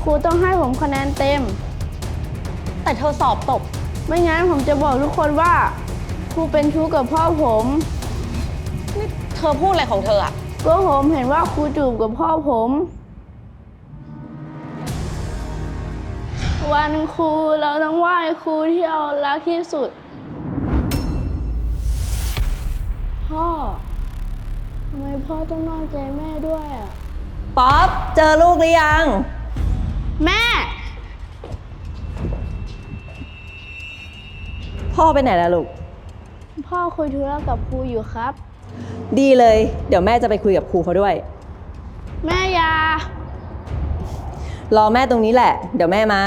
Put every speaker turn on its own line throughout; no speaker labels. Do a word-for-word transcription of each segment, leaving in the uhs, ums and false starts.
รูต้องให้ผมคะแนนเต็ม
แต่เธอสอบตก
ไม่งั้นผมจะบอกทุกคนว่าครูเป็นชู้กับพ่อผม
นี่เธอพูดอะไรของเธออะ
ก็ผมเห็นว่าครูจูบกับพ่อผมวันครูเราต้องไหว้ครูที่เรารักที่สุดพ่อทำไมพ่อต้องนอกใจแม่ด้วยอ่ะ
ป๊อปเจอลูกหรือยัง
แม่
พ่อไปไหนล่ะลูก
พ่อคุยธุระกับครูอยู่ครับ
ดีเลยเดี๋ยวแม่จะไปคุยกับครูเขาด้วย
แม่ย
ารอแม่ตรงนี้แหละเดี๋ยวแม่มา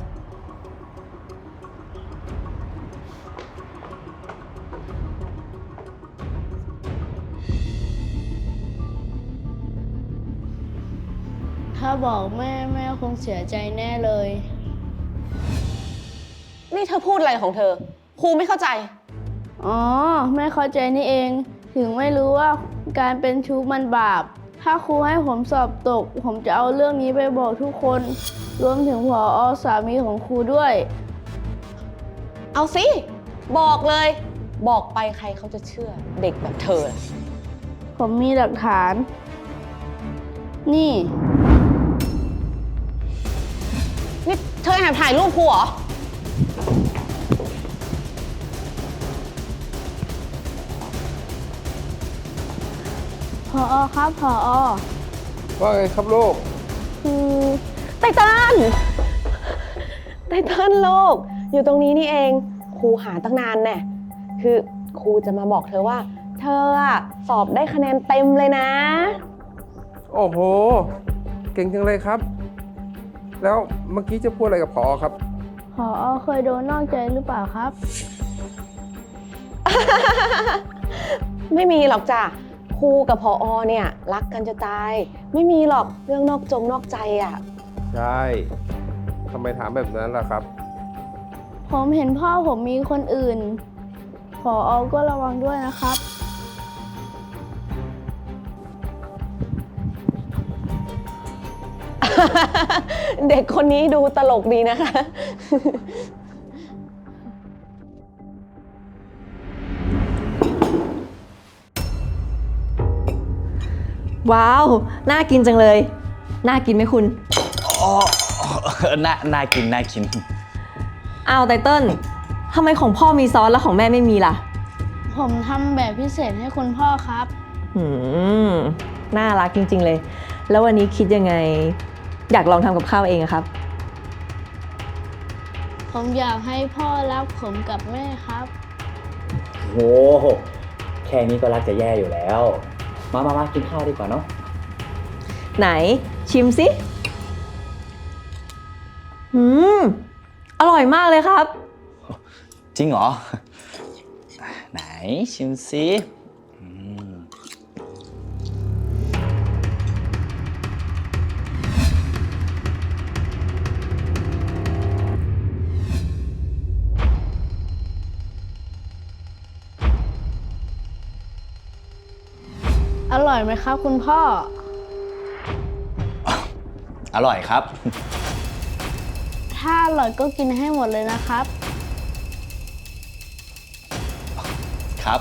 ถ้าบอกแม่แม่คงเสียใจแน่เลย
นี่เธอพูดอะไรของเธอครูไม่เข้าใจ
อ๋อแม่เข้าใจนี่เองถึงไม่รู้ว่าการเป็นชู้มันบาปถ้าครูให้ผมสอบตกผมจะเอาเรื่องนี้ไปบอกทุกคนรวมถึงผอ.สามีของครูด้วย
เอาสิบอกเลยบอกไปใครเขาจะเชื่อเด็กแบบเธอ
ผมมีหลักฐานนี่
นี่เธอแอบถ่ายรูปครูเหรอ
ผอ.ครับผอ.
ว่าไงครับลูก
คือไตตันไตตันลูกอยู่ตรงนี้นี่เองครูหาตั้งนานแน่คือครูจะมาบอกเธอว่าเธออะสอบได้คะแนนเต็มเลยนะ
โอ้โหเก่งจังเลยครับแล้วเมื่อกี้จะพูดอะไรกับผอครับ
ผอ.เคยโดนนอกใจหรือเปล่าครับ
ไม่มีหรอกจ้ะครูกับผอ.เนี่ยรักกันจะตายไม่มีหรอกเรื่องนอกจงนอกใจอ่ะ
ใช่ทำไมถามแบบนั้นล่ะครับ
ผมเห็นพ่อผมมีคนอื่นผอ.ก็ระวังด้วยนะครับ
เด็กคนนี้ดูตลกดีนะคะ
ว้าวน่ากินจังเลยน่ากินไหมคุณ
อ๋อน่าน่ากินน่ากิน
อ้าวไตเติ้ลทำไมของพ่อมีซอสแล้วของแม่ไม่มีล่ะ
ผมทำแบบพิเศษให้คุณพ่อครับ
หืมน่ารักจริงๆเลยแล้ววันนี้คิดยังไงอยากลองทำกับข้าวเองอะครับ
ผมอยากให้พ่อรักผมกับแม่ครับ
โหแค่นี้ก็รักจะแย่อยู่แล้วมามามากินข้าวดีกว่าเนาะ
ไหนชิมสิหืมอร่อยมากเลยครับ
จริงเหรอไหนชิมสิ
อร่อยไหมครับคุณพ่อ
อร่อยครับ
ถ้าอร่อยก็กินให้หมดเลยนะครับ
ครับ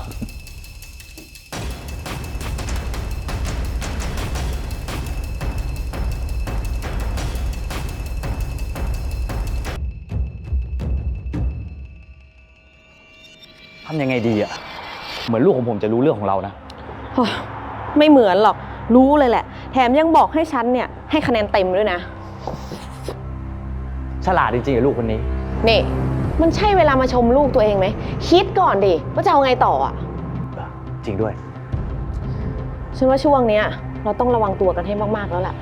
ทำยังไงดีอ่ะเหมือนลูกของผมจะรู้เรื่องของเรานะ
ไม่เหมือนหรอกรู้เลยแหละแถมยังบอกให้ฉันเนี่ยให้คะแนนเต็มด้วยนะ
ฉลาดจริงๆลูกคนนี้
นี่มันใช่เวลามาชมลูกตัวเองไหมคิดก่อนดิว่าจะเอาไงต่ออ่ะ
จริงด้วย
ฉันว่าช่วงเนี้ยเราต้องระวังตัวกันให้มากๆแล้วล่ะ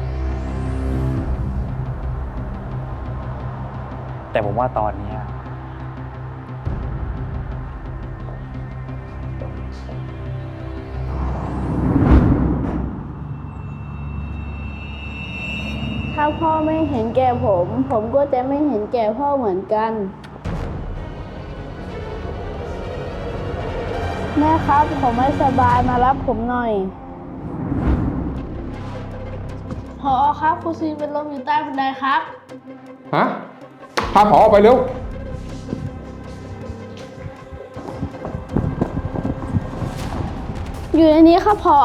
แต่ผมว่าตอนนี้
ถ้าพ่อไม่เห็นแก่ผมผมก็จะไม่เห็นแก่พ่อเหมือนกันแม่ครับผมไม่สบายมารับผมหน่อยพอครับครูซีนเป็นลมอยู่ใต้บันไดครับ
ฮะ พาผอออกไปเร็ว
อยู่ในนี้ครับพอ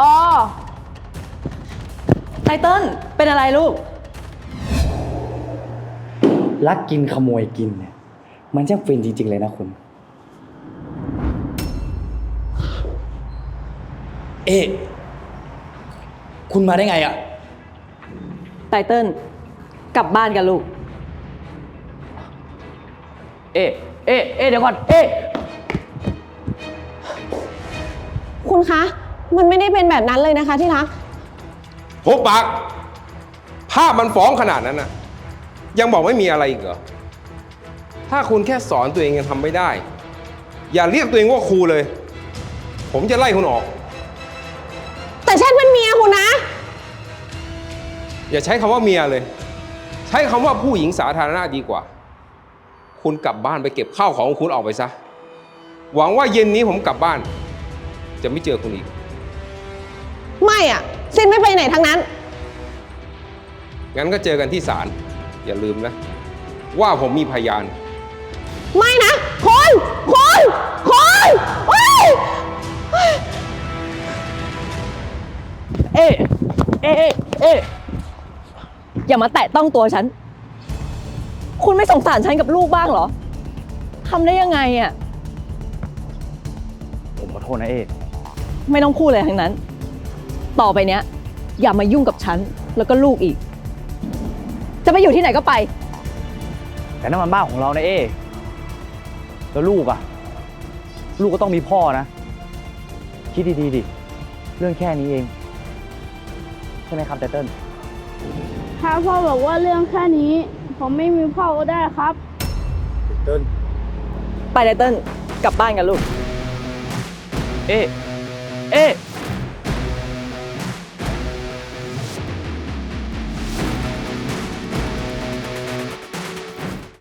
ไตเติ้ลเป็นอะไรลูก
ลักกินขโมยกินเนี่ย มันช่างฟินจริง ๆ เลยนะคุณ เอ๊ะคุณมาได้ไงอะ
ไตเติ้ลกลับบ้านกันลูก
เอ๊ะเอ๊ะเอ๊ะเดี๋ยวก่อน เอ๊ะ
คุณคะ มันไม่ได้เป็นแบบนั้นเลยนะคะที่รัก
โหปาก ภาพมันฟ้องขนาดนั้นน่ะ ยังบอกไม่มีอะไรอีกเหรอ ถ้าคุณแค่สอนตัวเองยังทำไม่ได้ อย่าเรียกตัวเองว่าครูเลย ผมจะไล่คุณออก
แต่ฉันเป็นเมียคุณนะ
อย่าใช้คำว่าเมียเลย ใช้คำว่าผู้หญิงสาธารณะดีกว่า คุณกลับบ้านไปเก็บข้าวของคุณออกไปซะ หวังว่าเย็นนี้ผมกลับบ้าน จะไม่เจอคุณอีก
ไม่อ่ะซินไม่ไปไหนทั้งนั้น
งั้นก็เจอกันที่ศาล อย่าลืมนะ ว่าผมมีพยาน
ไม่นะคุณคุณคุณเฮ้ย
เอ๊ะเอ๊ะเอ๊ะเอ๊ะอย่ามาแตะต้องตัวฉัน คุณไม่สงสารฉันกับลูกบ้างเหรอทำได้ยังไงอ่ะ
ผมขอโทษนะเอ๊ะ
ไม่ต้องพูดเลยทั้งนั้น ต่อไปเนี้ย อย่ามายุ่งกับฉันแล้วก็ลูกอีก จะไปอยู่ที่ไหนก็ไป
แต่นั่นมันบ้านของเรานะเอ๊ะแล้วลูกอะลูกก็ต้องมีพ่อนะ คิดดีๆดิ เรื่องแค่นี้เอง ใช่ไหมครับไตเติ้ล
ถ้าพ่อบอกว่าเรื่องแค่นี้ ผมไม่มีพ่อก็ได้ครับ
เติ้ล
ไปไตเติ้ลกลับบ้านกันลูก
เอ๊ะเอ๊ะ